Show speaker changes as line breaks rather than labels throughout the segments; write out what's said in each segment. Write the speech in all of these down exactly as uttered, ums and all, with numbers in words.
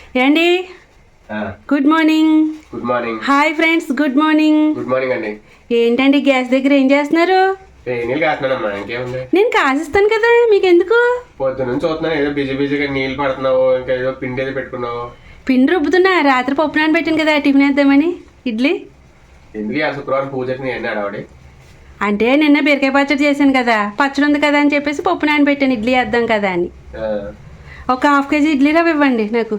ఏండి good morning.
Good morning.
Hi friends, good morning.
Good morning అండి.
ఏంటండి gas దగ్గర ఏం చేస్తున్నారు?
నీళ్ళు కాస్తున్నానమ్మా, ఇంకేముంది.
నేను కాసిస్తాను కదా, మీకు ఎందుకు?
పొద్దు నుంచి చూస్తున్నాను, ఏదో బిజీ బిజీగా నీళ్ళు పడుతున్నావు, ఇంకా ఏదో పిండి ఏదో పెట్టుకున్నావు.
పిండి రుబ్బుతున్నా, రాత్రి పప్పు నాన్న పెట్టాను కదా టిఫిన్ వేద్దామని. ఇడ్లీ
ఎందుకు ఆ శుక్రవారం పూజకి నేను అడవాడి
అంటే నిన్న బీరకాయ పచ్చడి చేశాను కదా, పచ్చడి ఉంది కదా అని చెప్పేసి పప్పు నాన్న పెట్టాను ఇడ్లీ వేద్దాం కదా అని. ఒక హాఫ్ కేజీ ఇడ్లీ రవ్వ ఇవ్వండి నాకు.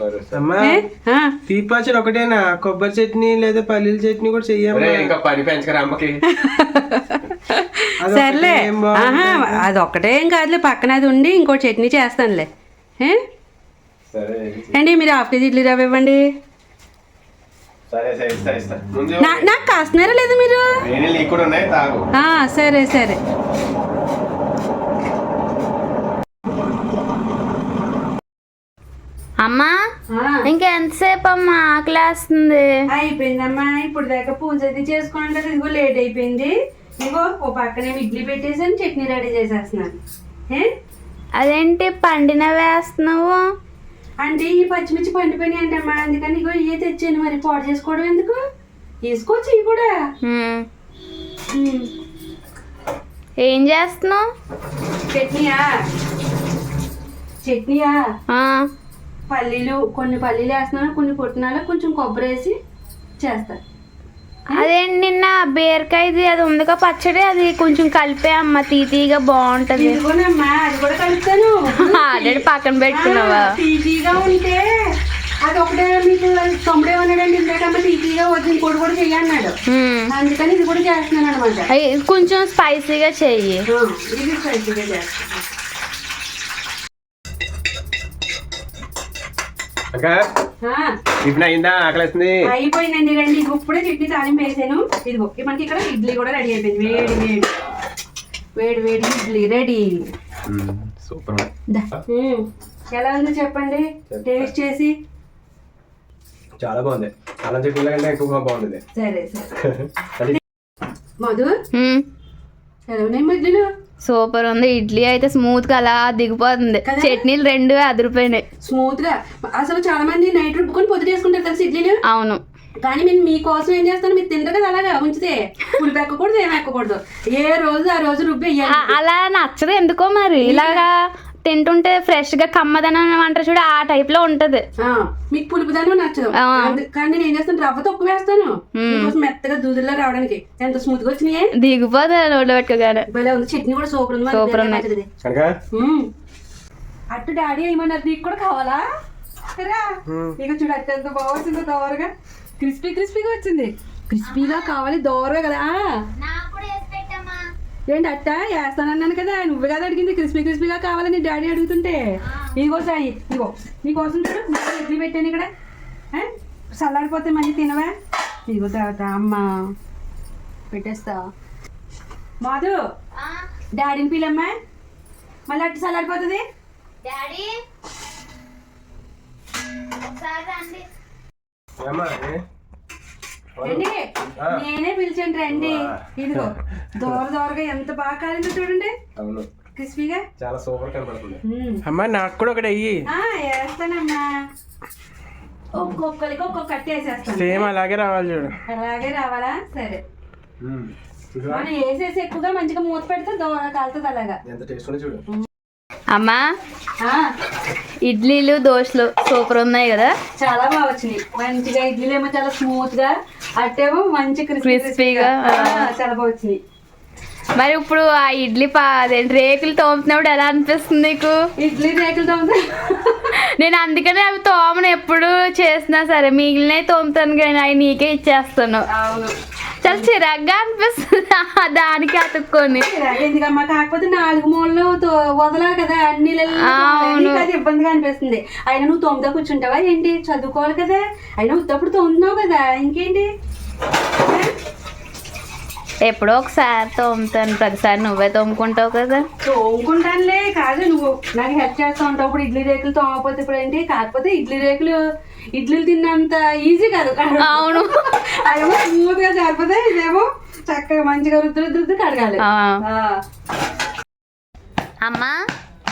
టీ పచ్చడి ఒకటేనా? కొబ్బరి చట్నీ లేదా పల్లీల చట్నీ కూడా చెయ్యాలి.
ఇంకా పని పెంచకరా అమ్మకి.
సర్లే, అది ఒక్కటే ఏం కాదులే, పక్కన అది ఉండి ఇంకో చట్నీ చేస్తానులే. అండి మీరు హాఫ్ కేజీ ఇడ్లీ రవ్వ ఇవ్వండి. నాకు కాస్తున్నారా లేదా మీరు? సరే సరే.
అమ్మా ఇంకెంతసేపు అమ్మా ఆకలేస్తుంది?
అయిపోయిందమ్మా, ఇప్పుడు దాకా పూజ అది చేసుకోండి. ఇదిగో లేట్ అయిపోయింది. ఇదిగో ఓ పక్కనే ఇడ్లీ పెట్టేసాను, చట్నీ రెడీ చేసేస్తున్నాను.
అదేంటి పండిన వేస్తున్నావు?
అంటే ఈ పచ్చిమిర్చి పండిపోయినాయి అంటమ్మా, అందుకని ఇగో ఇవే తెచ్చాను. మరి పాడు చేసుకోవడం ఎందుకు, వేసుకోవచ్చు ఇవి కూడా.
ఏం చేస్తున్నావు?
చట్నీయా చట్నీయా పల్లీలు, కొన్ని పల్లీలు వేస్తున్నాను, కొన్ని పుట్టినాలు, కొంచెం కొబ్బరి వేసి చేస్తా.
అదేంటి నిన్న బీరకాయది అది ఉందిగా పచ్చడి, అది కొంచెం కలిపే అమ్మ, తీతీగా బాగుంటది.
అది కూడా కలుపుతాను.
ఆల్రెడీ పక్కన పెట్టుకున్నావా?
తీతీగా ఉంటే అది ఒకటే మీకు తొమ్మిడే ఉన్నాడండి, ఇంతకమ్మ తీతీగా వద్దు ఇంకోటి కూడా చెయ్యన్నాడు, అందుకని ఇది కూడా చేస్తున్నాను అనమాట.
కొంచెం స్పైసీగా చెయ్యి.
ఇది స్పైసీగా చేస్తాను. అయిపోయిందండి, రండి. ఇప్పుడే చట్నీ తాలింపు వేసాను. ఇదిగో మనకి ఇక్కడ ఇడ్లీ కూడా రెడీ అయిపోయింది. వేడి వేడి వేడి వేడి ఇడ్లీ రెడీ.
సూపర్.
ఎలా ఉందో చెప్పండి, టేస్ట్ చేసి.
చాలా బాగుంది, అల్లం చట్నీ కంటే ఎక్కువగా బాగుంది.
సరే సరే. మధు ఎలా ఉన్నాయి ఇడ్లీలు?
సూపర్ ఉంది. ఇడ్లీ అయితే స్మూత్ గా అలా దిగిపోతుంది, చట్నీలు రెండు అదిరిపోయినాయి
స్మూత్ గా. అసలు చాలా మంది నైట్ రుబ్బుకొని పొద్దు చేసుకుంటారు తెలుసు ఇడ్లీలు.
అవును,
కానీ నేను మీకోసం ఏం చేస్తాను, మీరు తింటారు కదా అలాగా ఉంచితే పులుపు ఎక్కకూడదు, ఏమి ఎక్కకూడదు. ఏ రోజు ఆ రోజు రుబ్బి
అలా నచ్చదు ఎందుకో మరి. ఇలాగా తింటుంటే ఫ్రెష్ గా కమ్మదనం అంటారు చూడ, ఆ టైప్ లో ఉంటది.
మీకు పులుపుదనం నచ్చదు, కానీ నేను ఏం చేస్తాను, రవ్వ తక్కువ వేస్తాను మెత్తగా దూదుల్లో రావడానికి. ఎంత స్మూత్ గా వచ్చినాయి,
దిగిపోతుంది నోట్లో పెట్టుకోగానే.
చట్నీ కూడా సూపర్ ఉంది,
సూపర్ ఉంది.
అట్టు డాడీ ఏమన్నారు, నీకు కూడా కావాలా? ఇక చూడు అట్టు ఎంత బాగుంటుందో, దోరగా క్రిస్పీ క్రిస్పీగా వచ్చింది. క్రిస్పీగా కావాలి, దోరగా కదా. ఏంటి అట్ట వేస్తానన్నాను కదా, నువ్వు కదా అడిగింది క్రిస్పీ క్రిస్పీగా కావాలని డాడీ అడుగుతుంటే. ఇదిగో సాయి, ఇదిగో నీకోసం చూడు, ఇడ్లీ పెట్టాను ఇక్కడ. చల్లారిపోతే మళ్ళీ తినవా? ఇదిగో తర్వాత అమ్మ పెట్టేస్తా. మాధు డాడీని పిల్లమ్మా, మళ్ళీ అట్టు చల్లారిపోతుంది. నేనే పిలిచాను రండి. ఇదిగో దోర దోరగా ఎంత బాగా కాలిందో చూడండి, క్రిస్పీగా
చాలా సూపర్ కనబడుతుంది.
అమ్మా నాకు కూడా ఒకటి అయ్యి.
వేస్తానమ్మా, ఒక్కొక్కరికి ఒక్కొక్క కట్టి వేసేస్తాను.
సేమ్ అలాగే రావాలి చూడు.
అలాగే రావాలా? సరే. మనం వేసేసి ఎక్కువగా మంచిగా మూత పెడితే దోర కాలుతుంది అలాగా.
ఎంత టేస్ట్ ఉంది చూడు.
అమ్మా ఇడ్లీలు దోశలు సూపర్ ఉన్నాయి కదా,
చాలా బాగా వచ్చినాయి. మంచిగా ఇడ్లీలు ఏమో చాలా స్మూత్ గా, అట్టేమో మంచి
క్రిస్పీగా
చాలా బాగా వచ్చినాయి.
మరి ఇప్పుడు ఆ ఇడ్లీ పా రేకులు తోముతున్నప్పుడు ఎలా అనిపిస్తుంది నీకు?
ఇడ్లీ రేకులు తోముతా
నేను, అందుకనే అవి తోమను ఎప్పుడు చేసినా సరే, మిగిలినవి తోముతాను కానీ అవి నీకే ఇచ్చేస్తాను.
అవును,
చాలా చిరాగ్గా అనిపిస్తుంది దానికి అతుక్కొని.
ఎందుకమ్మా, కాకపోతే నాలుగు మూలలు వదలాలి కదా అన్ని, అది ఇబ్బందిగా అనిపిస్తుంది. అయినా నువ్వు తొమ్మిదో కూర్చుంటావా ఏంటి? చదువుకోవాలి కదా, అయినా ఉత్తప్పుడు తోముతున్నావు కదా, ఇంకేంటి.
ఎప్పుడో ఒకసారి తోముతాను, ప్రతిసారి నువ్వే తోముకుంటావు కదా.
తోముకుంటానులే, కాదు నువ్వు నాకు హెల్ప్ చేస్తూ ఉంటావు. ఇప్పుడు ఇడ్లీ రేకులు తోమకపోతే ఇప్పుడు ఏంటి? కాకపోతే ఇడ్లీ రేకులు ఇడ్లీలు తిన్నంత ఈజీ కాదు.
అవును,
అదేమో స్మూత్ గా సరిపోతే, ఇదేమో చక్కగా మంచిగా రుద్దు రుద్దు కడగాలి.
అమ్మా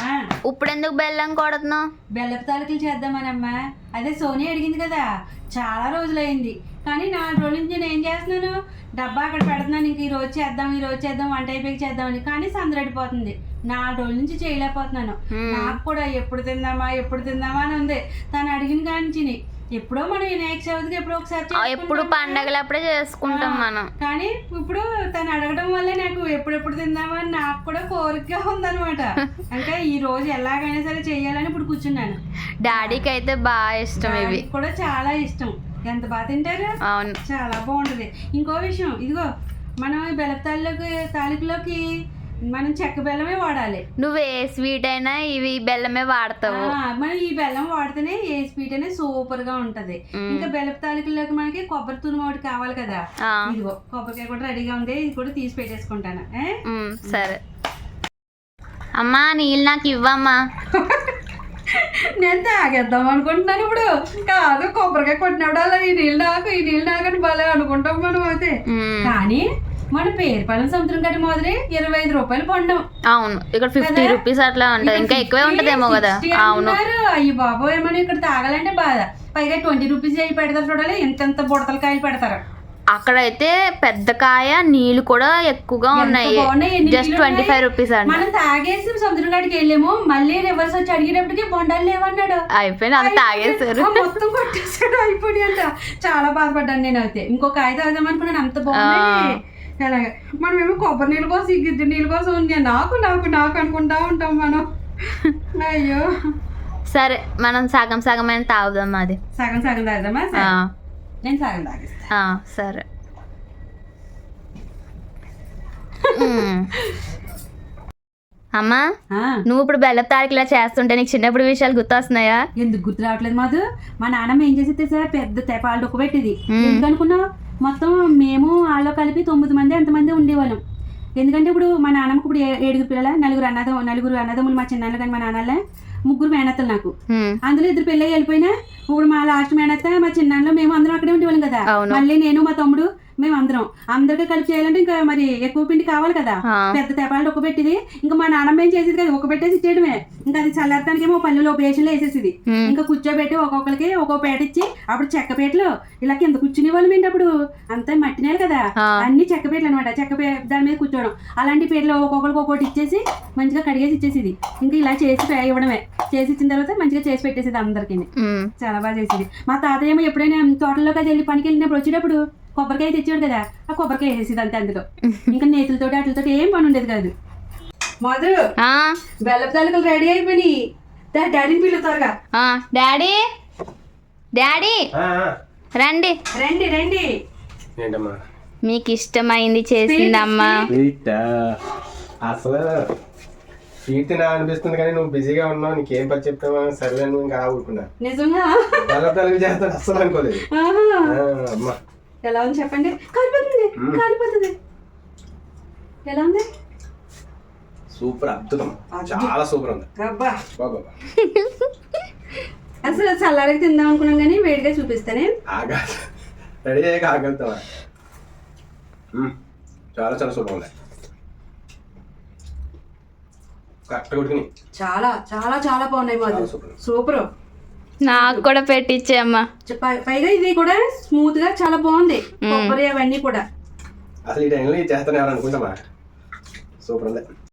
ఇప్పుడు ఎందుకు బెల్లం కొడుతున్నావు?
బెల్లపు తాలికలు చేద్దామనమ్మా. అదే సోనీ అడిగింది కదా, చాలా రోజులైంది. కానీ నాలుగు రోజుల నుంచి నేను ఏం చేస్తున్నాను, డబ్బా అక్కడ పెడుతున్నాను. ఇంక ఈ రోజు చేద్దాం ఈ రోజు చేద్దాం వంట అయిపోయి చేద్దామని. కానీ సందడిపోతుంది, నాలుగు రోజుల నుంచి చేయలేకపోతున్నాను. నాకు కూడా ఎప్పుడు తిందామా ఎప్పుడు తిందామా అని ఉంది. తను అడిగిన కానించి ఎప్పుడో మనం వినాయక చవితికి ఎప్పుడో ఒకసారి
ఎప్పుడు పండగలప్పుడే చేసుకుంటాం మనం.
కానీ ఇప్పుడు తను అడగడం వల్లే నాకు ఎప్పుడెప్పుడు తిందామని నాకు కూడా కోరికగా ఉందన్నమాట. అంటే ఈ రోజు ఎలాగైనా సరే చెయ్యాలని ఇప్పుడు కూర్చున్నాను.
డాడీకి అయితే బాగా ఇష్టం ఇవి,
కూడా చాలా ఇష్టం. ఎంత బాగా తింటారు,
అవును
చాలా బాగుంటది. ఇంకో విషయం, ఇదిగో మనం ఈ బెల్లపు తాలిలోకి తాలికలోకి మనం చెక్క బెల్లమే వాడాలి.
నువ్వు ఏ స్వీట్ అయినా ఇవి బెల్లమే వాడతావు.
మనం ఈ బెల్లం వాడితేనే ఏ స్వీట్ అయినా సూపర్ గా ఉంటది. ఇంకా బెల్లపు తాలికల్లోకి మనకి కొబ్బరి తురుము ఒకటి కావాలి కదా, ఇదిగో కొబ్బరికాయ కూడా రెడీగా ఉంది, ఇది కూడా తీసి పెట్టేసుకుంటాను.
సరే అమ్మా, నీళ్ళు నాకు ఇవ్వమ్మా.
నేను తాగేద్దాం అనుకుంటున్నాను ఇప్పుడు. కాదు, కొబ్బరికాయ కొట్టినప్పుడు ఈ నీళ్ళు నాకు ఈ నీళ్ళు నాకని భలే అనుకుంటాం మనం అయితే. కానీ మన పేరుపాలెం సముద్రం గడ్డ మొదలై ఇరవై ఐదు రూపాయలు పండం.
అవును, ఇక్కడ ఫిఫ్టీ రూపీస్ అట్లా ఉంటది, ఇంకా ఎక్కువే ఉంటదేమో కదా. అవును,
అయ్యి బాబు ఏమన్నా ఇక్కడ తాగాలంటే బాధ. పైగా ట్వంటీ రూపీస్ అయ్యి పెడతారు చూడాలి, ఎంత బుడతల కాయలు పెడతారు.
అక్కడైతే పెద్ద కాయ, నీళ్లు కూడా ఎక్కువగా ఉన్నాయి. జస్ట్ ట్వంటీ ఫైవ్ రూపీస్ అండి.
మనం తాగేసి సముద్రం కాడికి వెళ్ళాము, మళ్ళీ రివర్స్ వచ్చి అడిగేటప్పటికి బొండాలు లేవన్నాడు.
అయిపోయింది, అంత తాగేసారు,
మొత్తం కొట్టేసాడు, అయిపోయి అంట. చాలా బాధపడ్డాను నేను అయితే. ఇంకో కాయ తాగుదాం అనుకున్నాను, అంత బాగుంది. అలాగే మనమేమో కొబ్బరి నీళ్ళ కోసం గిద్దె నీళ్ళ కోసం ఉంది, నాకు నాకు నాకు అనుకుంటా ఉంటాం మనం. అయ్యో
సరే, మనం సగం సగం అయినా తాగుదాం. అది
సగం సగం తాగుదామా? నేను సగం తాగిస్తా.
సరే. అమ్మా, నువ్వు ఇప్పుడు బెల్లపు తారీఖులా చేస్తుంటే నీకు చిన్నప్పుడు విషయాలు గుర్తొస్తున్నాయా?
ఎందుకు గుర్తు రావట్లేదు మాధు? మా నాన్నమ్మ ఏం చేసి సార్ పెద్ద తెపాలు డొక్కు పెట్టింది. ఎందుకనుకున్నావు? మొత్తం మేము వాళ్ళలో కలిపి తొమ్మిది మంది ఎంతమంది ఉండేవాళ్ళం. ఎందుకంటే ఇప్పుడు మా నాన్నమ్మకి ఇప్పుడు ఏడుగురు పిల్లల, నలుగురు అన్నదం నలుగురు అన్నదమ్ములు మా చిన్నాన్న కానీ మా నాన్నలే, ముగ్గురు మేనత్తలు నాకు. అందులో ఇద్దరు పెళ్ళి వెళ్ళిపోయినా ఇప్పుడు మా లాస్ట్ మేనత్త మా చిన్నాన్నలో మేము అందరం అక్కడే ఉండేవాళ్ళం కదా. మళ్ళీ నేను మా తమ్ముడు మేము అందరం అందరికీ కలిపి చేయాలంటే ఇంకా మరి ఎక్కువ పిండి కావాలి కదా. పెద్ద తెపాలు ఒక పెట్టింది. ఇంకా మా నాన్నమ్మ ఏం చేసేది కదా, ఒక పెట్టేసి ఇచ్చేయడమే. ఇంకా అది చల్లారటానికి ఏమో పల్లెలో ఉపయోగంలో వేసేసింది. ఇంకా కూర్చోబెట్టి ఒక్కొక్కరికి ఒక్కొక్క పేట ఇచ్చి, అప్పుడు చెక్క పేటలు ఇలా కింద కూర్చునే వాళ్ళం ఏంటి అప్పుడు, అంతా మట్టినేలు కదా, అన్ని చెక్క పేటలు అనమాట. చెక్క పే దాని మీద కూర్చోవడం, అలాంటి పేటలు ఒక్కొక్కరికి ఒక్కొక్కటి ఇచ్చేసి మంచిగా కడిగేసి ఇచ్చేసింది. ఇంకా ఇలా చేసి ఇవ్వడమే. చేసి ఇచ్చిన తర్వాత మంచిగా చేసి పెట్టేసేది అందరికి. చాలా బాగా చేసేది. మా తాతయ్య ఏమో ఎప్పుడైనా తోటలోకి అది వెళ్ళి పనికి వెళ్ళినప్పుడు వచ్చేటప్పుడు కొబ్బరికాయ తెచ్చాడు కదా, ఆ కొబ్బరికాయ వేసేది అంతే అందులో. ఇంకా నేతులతో వాటితో ఏం పని ఉండేది కాదు. మధు, బెల్లపు తాలికలు రెడీ అయిపోయినాయి. డాడీని పిలు త్వరగా.
డాడీ డాడీ రండి
రండి రండి.
ఏంటమ్మా?
మీకు ఇష్టమైంది చేసిందమ్మా.
అసలు స్వీట్ తినా అనిపిస్తుంది కానీ నువ్వు బిజీగా ఉన్నావు, నీకేం పని చెప్తావా? సరే నువ్వు ఇంకా ఊరుకున్నా.
నిజంగా
బెల్లపు తాలికలు చేస్తాను అస్సలు అనుకోలేదు. అమ్మా
ఎలా ఉంది చెప్పండి? కాలిపోతుంది కాలిపోతుంది. ఎలా ఉంది?
సూపర్, అద్భుతం, చాలా సూపర్ ఉంది.
అబ్బా అసలు చల్లారకి తిందాం అనుకున్నాం కానీ వేడిగా చూపిస్తానే.
ఆగా రెడీ అయ్యాక ఆగలుగుతావా? చాలా చాలా సూపర్ ఉంది. కరెక్ట్ కొడుకుని
చాలా చాలా చాలా బాగున్నాయి మాది. సూపర్.
నాకు కూడా పెట్టించేమ్మా.
పైగా ఇది కూడా స్మూత్ గా చాలా బాగుంది. కొబ్బరి అవన్నీ కూడా
అసలు ఈ టైంలో చేస్తాను ఎవరు అనుకుంటామా? సూపర్ ఉంది.